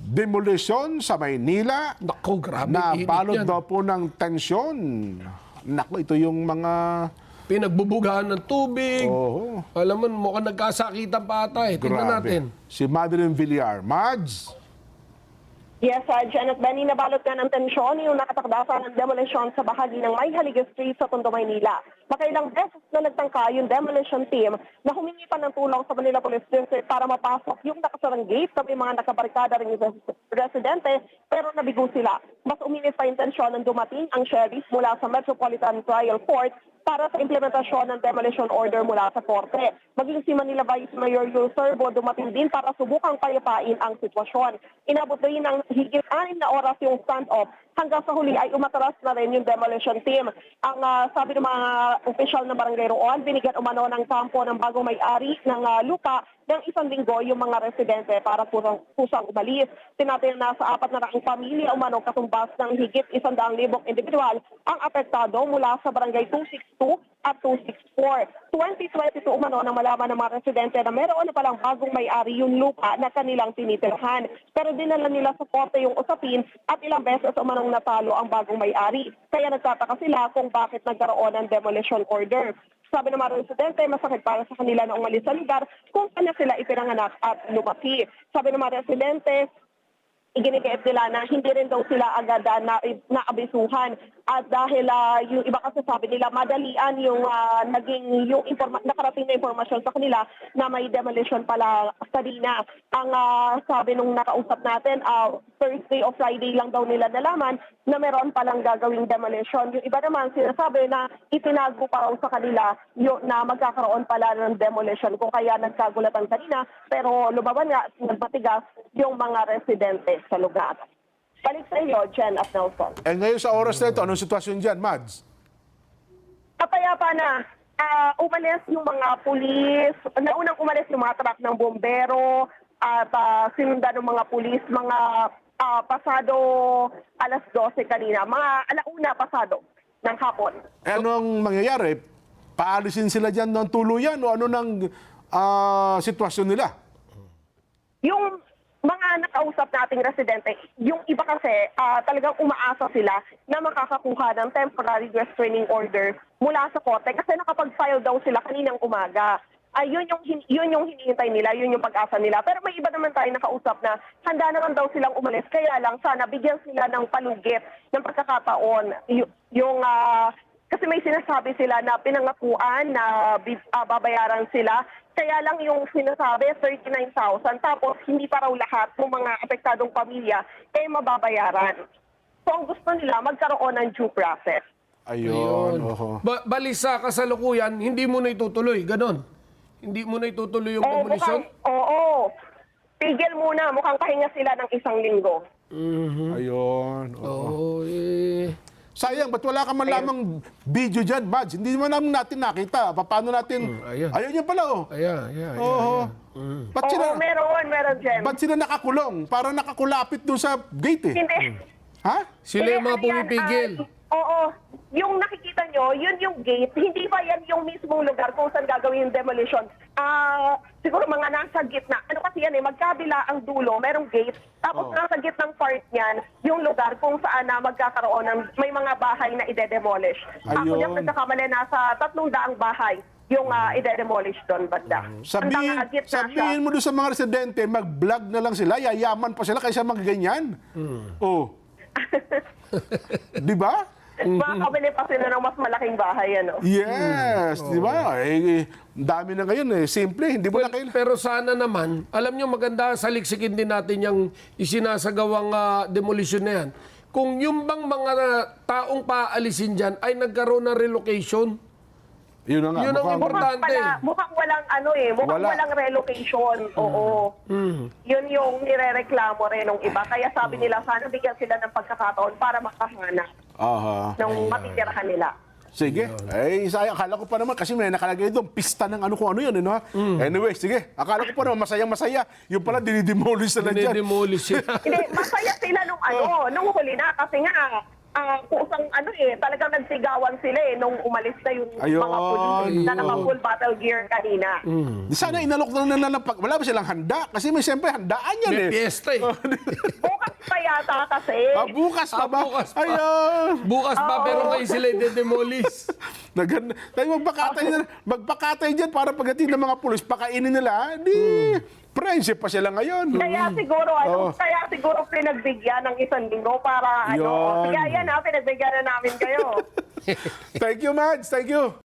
Demolition sa Maynila Naku, grabe. na init balot yan. daw po ng tensyon. Naku, ito yung mga... Pinagbubugahan ng tubig. Oh, Alam mo, mukhang nagkasakitan pa ata eh. Tingnan natin. Si Madeline Villar. Mads? Yes, Janet Benny, nabalot nga ng tensyon yung nakatakdasan ng demolition sa bahagi ng Mayhalige Street sa Tondo, Maynila. Makailang beses na nagtangka yung demolition team na humingi pa ng tulong sa Manila Police District para mapasok yung nakasarang gate sa may mga nakabarikada ring residente pero nabigo sila. Mas uminit pa yung tensyon nang dumating ang sheriff mula sa Metropolitan Trial Court para sa implementasyon ng demolition order mula sa korte. Maging si Manila Vice Mayor Yul Servo dumating din para subukang payapain ang sitwasyon. Inabot rin ng higit 6 na oras yung standoff hanggang sa huli ay umatras na rin yung demolition team. Ang sabi ng mga opisyal na barangay roon, binigyan umano ng kampo ng bagong may-ari ng lupa ng 1 linggo yung mga residente para pusang umalis. Tinatin na sa 400 pamilya umano katumbas ng higit 100,000 individual ang apektado mula sa barangay 262 at 264. 2022 umano nang malaman ng mga residente na meron na palang bagong may-ari yung lupa na kanilang tinitirhan. Pero dinala nila sa korte yung usapin at ilang beses umanong natalo ang bagong may-ari. Kaya nagtataka sila kung bakit nagkaroon ng demolition order. Sabi ng mga residente, masakit para sa kanila na umalis sa lugar kung kanya sila ipinanganak at lumaki. Sabi ng mga residente, iginigayat nila na hindi rin daw sila agad naabisuhan. At dahil yung iba kasi sabi nila, madalian yung nakarating na informasyon sa kanila na may demolition pala kanina. Ang sabi nung nakausap natin, Thursday o Friday lang daw nila nalaman na meron palang gagawing demolition. Yung iba naman sinasabi na itinago pa raw sa kanila na magkakaroon pala ng demolition kung kaya nagkagulatan kanina. Pero lumaban nga, nagmatigas yung mga residente sa lugar. Balik sa iyo, Jen at Nelson. Ngayon sa oras na ito, anong sitwasyon dyan, Mads? Kapayapa na. Umalis yung mga pulis. Naunang umalis yung mga truck ng bombero at sinundan ng mga pulis. Mga pasado alas 12 kanina. Mga alauna pasado ng hapon. Anong mangyayari? Paalisin sila dyan ng tuluyan o ano ng sitwasyon nila? Yung mga nakausap nating residente, yung iba kasi talagang umaasa sila na makakakuha ng temporary restraining order mula sa korte kasi nakapag-file daw sila kaninang umaga. Yun yung hinihintay nila, yun yung pag-asa nila. Pero may iba naman tayo nakausap na handa naman daw silang umalis. Kaya lang sana bigyan sila ng palugit ng pagkakataon. Kasi may sinasabi sila na pinangakuan na babayaran sila. Kaya lang yung sinasabi, 39,000. Tapos hindi pa raw lahat ng mga apektadong pamilya mababayaran. So ang gusto nila, magkaroon ng due process. Ayun. Bali sa kasalukuyan, hindi mo na itutuloy. Ganon. Hindi mo na itutuloy yung demolition? Oo. Tigil muna. Mukhang pahinga sila ng 1 linggo. Ayun. Oo. Sayang, ba't wala ka man lamang video dyan, Mads? Hindi naman natin nakita. Paano natin... Ayan. Ayun yan pala, oh. Ayan. Oo. Ba't sila, Meron, Jen. ba't sila nakakulong? Parang nakakulapit doon sa gate, eh. Hindi. Ha? Sila yung mga pumipigil. Oo. Yung nakikita nyo, yun yung gate. Hindi ba yan yung mismong lugar kung saan gagawin yung demolition? Siguro mga nasa gitna. Ano kasi yan magkabila ang dulo, merong gate. Tapos nasa gitnang part niyan, yung lugar kung saan magkakaroon ng may mga bahay na ide-demolish. Ako Ayun. yung nagkakamali, nasa 300 bahay yung ide-demolish doon, banda. Sabihin mo doon sa mga residente, mag-vlog na lang sila, yayaman pa sila kaysa magaganyan. Oh. Di ba? Makakabili pa sila ng mas malaking bahay, ano? Yes, di ba? Dami na ngayon eh. Simple, hindi mo na kailangan. Pero sana naman, alam nyo maganda, saliksikin din natin yung isinasagawang demolition na yan. Kung yung bang mga taong paalisin dyan ay nagkaroon ng relocation, Yun na nga. yun ang importante. Mukhang walang walang relocation. Oo. Yun yung nirereklamo rin ng iba. Kaya sabi nila, sana bigyan sila ng pagkakataon para makahanap Aha. ng matitirahan nila. Sige. Sayang. Akala ko pa naman, kasi may nakalagay doon, pista ng ano kung ano yun. Ano, ha? Anyway, sige. Akala ko pa naman, masayang-masaya. Yung pala, dinidemolish na dyan. dinidemolish sila. Hindi, masaya sila nung huli na. Kasi nga, kusang talagang nagsigawan sila nung umalis na yung Ayun. mga pulis na naka-full battle gear kanina. Di sana inalok na nila wala ba silang handa? Kasi may siyempre handaan yan May eh. piyesta eh. Bukas pa yata kasi. Bukas pa ba? Bukas pa. Ayun. Bukas pa, pero ngayon sila i-demolish. Magpakatay dyan para pagdating ng mga pulis, pakainin nila, friendship pa sila ngayon. Kaya siguro pinagbigyan ng 1 linggo para Yun. sige yan pinagbigyan na namin kayo. Thank you, Mads. Thank you.